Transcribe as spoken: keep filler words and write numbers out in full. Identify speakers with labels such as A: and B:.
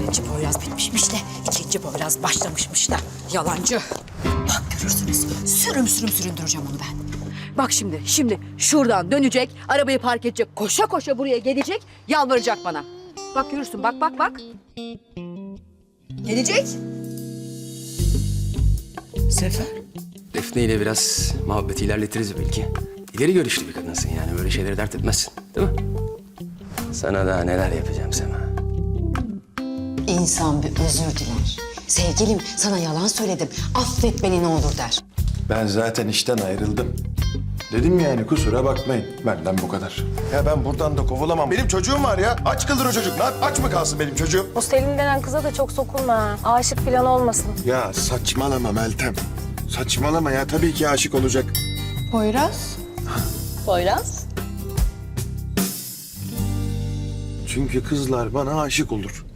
A: Birinci Poyraz bitmişmiş de ikinci Poyraz başlamışmış da. Yalancı. Bak görürsünüz. Sürüm sürüm süründüreceğim onu ben. Bak şimdi, şimdi şuradan dönecek, arabayı park edecek, koşa koşa buraya gelecek, yalvaracak bana. Bak görürsün, bak bak bak. Gelecek.
B: Sefer. Defne ile biraz muhabbeti ilerletiriz belki. İleri görüşlü bir kadınsın yani böyle şeyleri dert etmezsin değil mi? Sana daha neler yapacağım Sema.
C: İnsan bir özür diler. Sevgilim sana yalan söyledim. Affet beni ne olur der.
D: Ben zaten işten ayrıldım. Dedim yani kusura bakmayın. Benden bu kadar. Ya ben buradan da kovulamam. Benim çocuğum var ya. Aç kalır o çocuk. Lan aç mı kalsın benim çocuğum?
E: O Selin denen kıza da çok sokulma ha. Aşık falan olmasın.
D: Ya saçmalama Meltem. Saçmalama ya. Tabii ki aşık olacak.
F: Poyraz.
E: Poyraz?
D: Çünkü kızlar bana aşık olur.